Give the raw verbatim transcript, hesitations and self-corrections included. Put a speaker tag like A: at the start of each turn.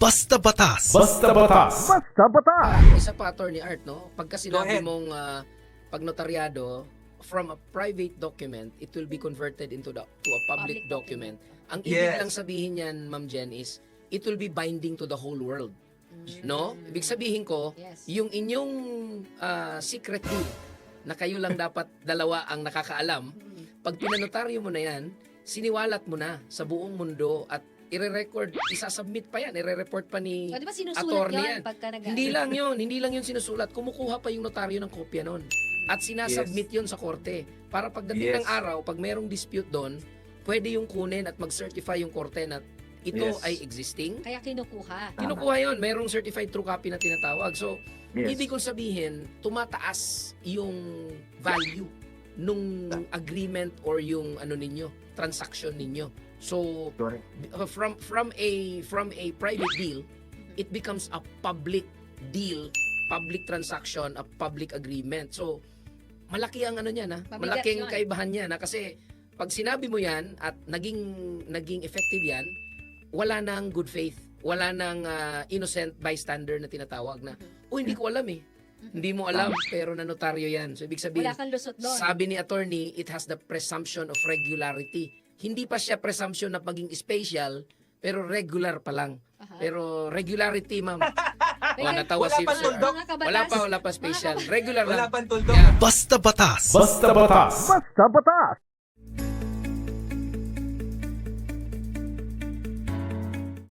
A: Basta Batas.
B: Basta Batas.
C: Basta Batas!
D: Isa pa, Attorney Art, no? Pagka sinabi
E: ahead.
D: mong ah, pag notaryado, from a private document, it will be converted into the, to a public,
F: Public
D: document. Ang ibig
E: Yes.
D: lang sabihin niyan, Ma'am Jen, is it will be binding to the whole world. No? Ibig sabihin ko,
F: Yes.
D: yung inyong ah, secret deed na kayo lang dapat dalawa ang nakakaalam, pag pinanotaryo mo na yan, siniwalat mo na sa buong mundo at ire-record, isasubmit pa yan, ire-report pa ni
F: O, di ba sinusulat
D: attorney
F: yun
D: yan.
F: pagka nag-
D: Hindi lang yun, hindi lang yun sinusulat. Kumukuha pa yung notaryo ng kopya nun. At sinasubmit yun sa korte. Para pagdating
E: Yes.
D: ng araw, pag merong dispute doon, pwede yung kunin at mag-certify yung korte na ito
E: Yes.
D: ay existing.
F: Kaya kinukuha.
D: Kinukuha yun, merong certified true copy na tinatawag. So,
E: Yes.
D: ibig kong sabihin, tumataas yung value nung agreement or yung ano ninyo, transaction ninyo. So,
E: Correct.
D: uh, from from a from a private deal, it becomes a public deal, public transaction, a public agreement. So, malaki ang ano niyan, ha?
F: Mabigat
D: Malaking
F: yun.
D: kaibahan niyan, ha? Kasi pag sinabi mo yan at naging naging effective yan, wala nang good faith, wala nang ah, innocent bystander na tinatawag na, oh, hindi ko alam eh. Hindi mo alam, pero nanotaryo yan. So, ibig sabihin,
F: Wala kang lusot doon.
D: sabi ni attorney, it has the presumption of regularity. Hindi pa siya presumption na maging special, pero regular pa lang.
F: Aha.
D: Pero regularity, ma'am. O,
F: Regular-
D: natawa
E: Wala
D: si
E: pa
D: Sir.
E: tuldok.
F: Mga kabatas.
D: Wala pa, wala pa special. Regular
E: Wala
D: lang.
E: pang tuldok.
D: Yeah.
A: Basta Batas.
B: Basta Batas.
C: Basta Batas!